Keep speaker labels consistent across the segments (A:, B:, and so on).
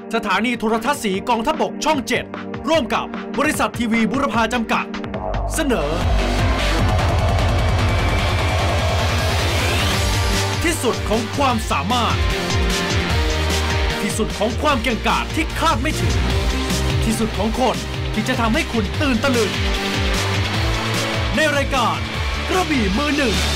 A: สถานีโทรทัศน์สีกองทัพบกช่อง 7 ร่วมกับบริษัททีวีบุรพาจำกัดเสนอที่สุดของความสามารถที่สุดของความเก่งกาจที่คาดไม่ถึงที่สุดของคนที่จะทำให้คุณตื่นตะลึงในรายการกระบี่มือหนึ่ง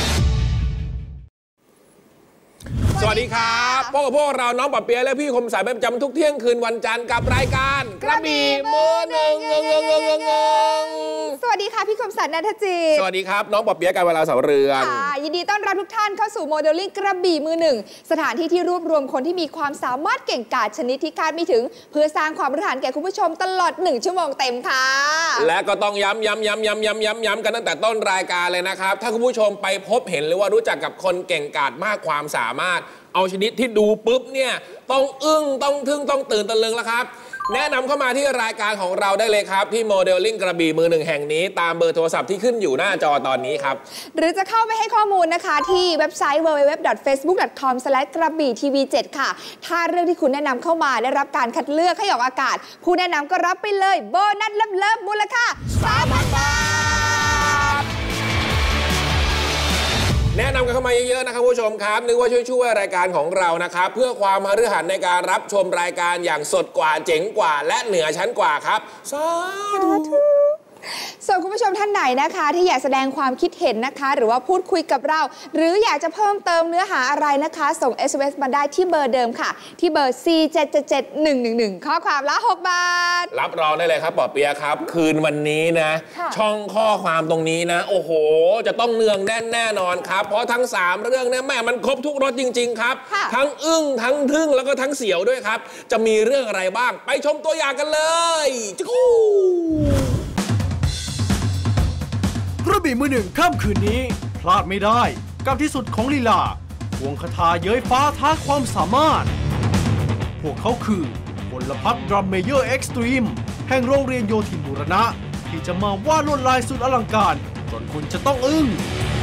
B: สวัสดีครับพบกับพวกเราน้องปะเปียและพี่คมสายประจำทุกเที่ยงคืนวันจันทร์กับรายการกระบี่มือหนึ่ง
C: สวัสดีค่ะพี่คมสันนันทจิต
B: สวัสดีครับน้องปะเปียการเวลาเสาเรือน
C: ยินดีต้อนรับทุกท่านเข้าสู่โมเดลลิ่งกระบี่มือหนึ่งสถานที่ที่รวบรวมคนที่มีความสามารถเก่งกาจชนิดที่คาดไม่ถึงเพื่อสร้างความรู้ฐานแก่คุณผู้ชมตลอด1 ชั่วโมงเต็มค่ะ
B: และก็ต้องย้ำกันตั้งแต่ต้นรายการเลยนะครับถ้าคุณผู้ชมไปพบเห็นหรือว่ารู้จักกับคนเก่งกาจมากความสามารถเอาชนิดที่ดูปุ๊บเนี่ยต้องอึ้งต้องทึ่งต้องตื่นตะลึงแล้วครับแนะนำเข้ามาที่รายการของเราได้เลยครับที่โมเดลลิ่งกระบี่มือหนึ่งแห่งนี้ตามเบอร์โทรศัพท์ที่ขึ้นอยู่หน้าจอตอนนี้ครับ
C: หรือจะเข้าไปให้ข้อมูลนะคะที่เว็บไซต์ www.facebook.com/กระบี่ทีวี7ค่ะถ้าเรื่องที่คุณแนะนำเข้ามาได้รับการคัดเลือกให้ออกอากาศผู้แนะนำก็รับไปเลยโบนัสเลิฟมูลค่า 3,000 บาท
B: แนะนำกันเข้ามาเยอะๆนะครับผู้ชมครับนึกว่าช่วยรายการของเรานะครับเพื่อความฤหัสในการรับชมรายการอย่างสดกว่าเจ๋งกว่าและเหนือชั้นกว่าครับสาธุ
C: ส่วนคุณผู้ชมท่านไหนนะคะที่อยากแสดงความคิดเห็นนะคะหรือว่าพูดคุยกับเราหรืออยากจะเพิ่มเติมเนื้อหาอะไรนะคะส่ง SMS มาได้ที่เบอร์เดิมค่ะที่เบอร์ 4777111 ข้อความละ6 บาท
B: รับรองได้เลยครับปอเปียครับคืนวันนี้นะช่องข้อความตรงนี้นะโอ้โหจะต้องเนืองแน่นแน่นอนครับเพราะทั้ง3เรื่องเนี่ยแม่มันครบทุกรสจริงๆครับทั้งอึ้งทั้งทึ่งแล้วก็ทั้งเสียวด้วยครับจะมีเรื่องอะไรบ้างไปชมตัวอย่างกันเลย
A: กระบี่มือหนึ่งค่ำคืนนี้พลาดไม่ได้กับที่สุดของลีลาควงคาถาเย้ยฟ้าท้าความสามารถพวกเขาคือพลพรรคดรัมเมเยอร์เอ็กซ์ตรีมแห่งโรงเรียนโยธินบูรณะที่จะมาวาดลวดลายสุดอลังการจนคุณจะต้องอึ้ง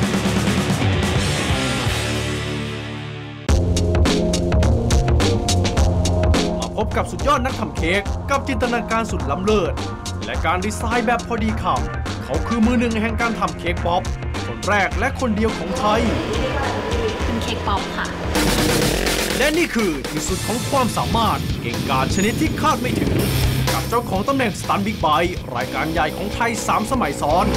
A: มาพบกับสุดยอดนักทำเค้กกับจินตนาการสุดล้ำเลิศและการดีไซน์แบบพอดีคำเขาคือมือหนึ่งแห่งการทำเค้กป๊อปคนแรกและคนเดียวของไทย
D: เป็นเค้กป๊อปค่ะ
A: และนี่คือที่สุดของความสามารถเก่งกาจชนิดที่คาดไม่ถึงกับเจ้าของตำแหน่งสตันบิ๊กไบค์รายการใหญ่ของไทย3 สมัยซ้อน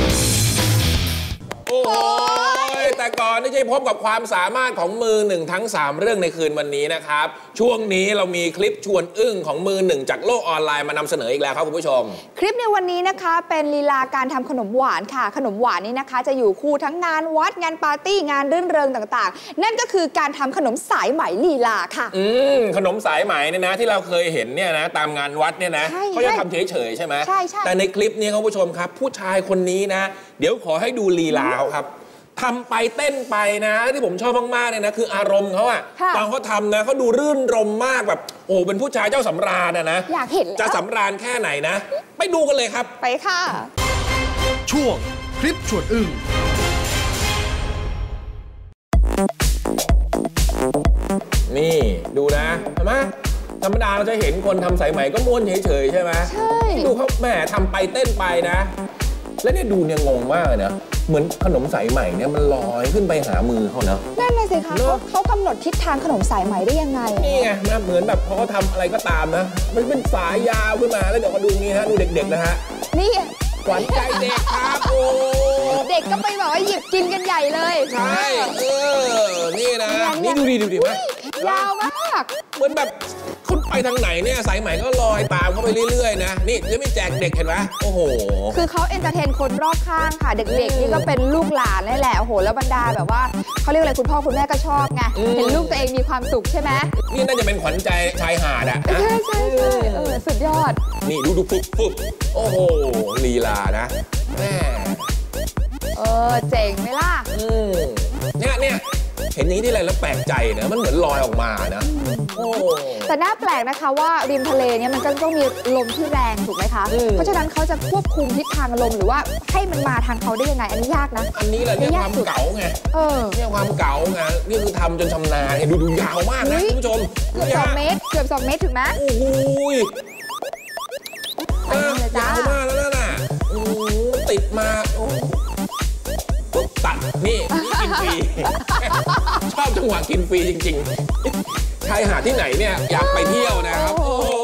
B: โอ้ยแต่ก่อนที่จะพบกับความสามารถของมือหนึ่งทั้ง3เรื่องในคืนวันนี้นะครับช่วงนี้เรามีคลิปชวนอึ้งของมือหนึ่งจากโลกออนไลน์มานำเสนออีกแล้วครับคุณผู้ชม
C: คลิปในวันนี้นะคะเป็นลีลาการทำขนมหวานค่ะขนมหวานนี้นะคะจะอยู่คู่ทั้งงานวัดงานปาร์ตี้งานรื่นเริงต่างๆนั่นก็คือการทำขนมสายไหมลีลาค่ะ
B: ขนมสายไหมเนี่ยนะที่เราเคยเห็นเนี่ยนะตามงานวัดเนี่ยนะเขาจะทำเฉยๆใช่ไหม
C: ใช่
B: แต่ในคลิปนี้คุณผู้ชมครับผู้ชายคนนี้นะเดี๋ยวขอให้ดูลีลาครับทำไปเต้นไปนะที่ผมชอบมากๆเนี่ยนะคืออารมณ์เขาอะตอนเขาทำนะเขาดูรื่นรมมากแบบโอ้เป็นผู้ชายเจ้าสำราญนะ
C: อยากเห็น
B: จะสำราญแค่ไหนนะไปดูกันเลยครับ
C: ไปค่ะ
A: ช่วงคลิปชวนอึ้ง
B: นี่ดูนะเห็นไหมธรรมดาเราจะเห็นคนทำสายไหมก็ม้วนเฉยๆใช่ไหม
C: ใช่
B: ดูเขาแหมทำไปเต้นไปนะแล้วเนี่ยดูเนี่ยงงมากเลยนะเหมือนขนมสายไหมเนี่ยมันลอยขึ้นไปหามือเขาเนาะ
C: นั่นเลยสิคะเขากำหนดทิศทางขนมสายไหมได้ยังไง
B: นี่ไงนะเหมือนแบบพอเขาทำอะไรก็ตามนะมันเป็นสายยาวขึ้นมาแล้วเดี๋ยวมาดูนี่ฮะดูเด็กๆนะฮะ
C: นี่
B: ขวัญใจเด็กครับโอ้
C: เด็กก็ไปบอกว่าหยิบกินกันใหญ่เลย
B: ใช่นี่นะนี่ดูดิมั้ย
C: ยาวมาก
B: เหมือนแบบคุณไปทางไหนเนี่ยสายไหมก็ลอยตามเข้าไปเรื่อยๆนะนี่จะไม่แจกเด็กเห็นไหมโอ้โห
C: คือเขาเอนเตอร์เทนคนรอบข้างค่ะเด็กๆนี่ก็เป็นลูกหลานนี่แหละโอ้โหแล้วบรรดาแบบว่าเขาเรียกอะไรคุณพ่อคุณแม่ก็ชอบไงเห็นลูกตัวเองมีความสุขใช่ไหม
B: นี่น่าจะเป็นขวัญใจชายหาดอ่ะ
C: ใช่สุดยอด
B: นี่ดูปุ๊บโอ้โหลีลานะแม่
C: เจ๋งไหมล่ะ
B: เนี่ยเห็นอย่างนี้ที่ไรแล้วแปลกใจนะมันเหมือนลอยออกมานะโอ้
C: แต่น่าแปลกนะคะว่าริมทะเลเนี่ยมันก็ต้องมีลมที่แรงถูกไหมคะเพราะฉะนั้นเขาจะควบคุมทิศทางลมหรือว่าให้มันมาทางเขาได้ยังไงอันนี้ยากนะ
B: อันนี้แหละเนี่ยความเก๋าไงเนี่ยความเก๋าไงนี่คือทำจนชำนาญดูยาวมากนะคุณผู้ชม
C: เกือบ2 เมตรเกือบ2 เมตรถึงไหม
B: โอ้โหยาวมากแล้วน่ะโอ้ติดมาปุ๊บตัดนี่กินฟรีชอบจังหวะกินฟรีจริงๆชายหาดที่ไหนเนี่ยอยากไปเที่ยวนะครับ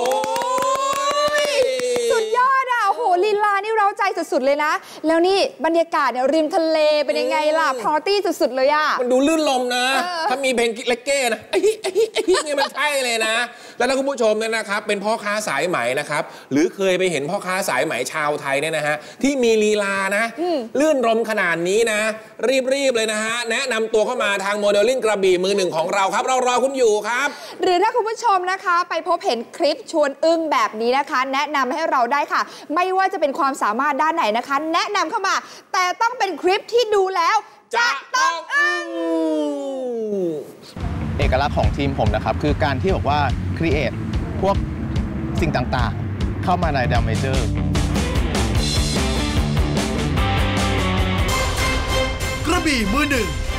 C: สุดยอดอ่ะโอ้โหลีลานี่เร้าใจสุดๆเลยนะแล้วนี่บรรยากาศเนี่ยริมทะเลเป็นยังไงล่ะพาร์ตี้สุดๆเลยอ่ะ
B: มันดูลื่นลมนะถ้ามีเพลงเลกเก้นะไอ้นี่มันใช่เลยนะแล้วถ้าคุณผู้ชมเนี่ยนะครับเป็นพ่อค้าสายไหมนะครับหรือเคยไปเห็นพ่อค้าสายไหมชาวไทยเนี่ยนะฮะที่มีลีลานะลื่นลมขนาดนี้นะรีบเลยนะฮะแนะนำตัวเข้ามาทางโมเดลลิ่งกระบี่มือหนึ่งของเราครับเรารอคุณอยู่ครับ
C: หรือถ้าคุณผู้ชมนะคะไปพบเห็นคลิปชวนอึ้งแบบนี้นะคะแนะนำให้เราได้ค่ะไม่ว่าจะเป็นความสามารถด้านไหนนะคะแนะนำเข้ามาแต่ต้องเป็นคลิปที่ดูแล้วจะต้องอึ้ง
E: เอกลักษณ์ของทีมผมนะครับคือการที่บอกว่าครีเอทพวกสิ่งต่างๆเข้ามาในดรัมเมเจอร์
A: กระบี่มือหนึ่ง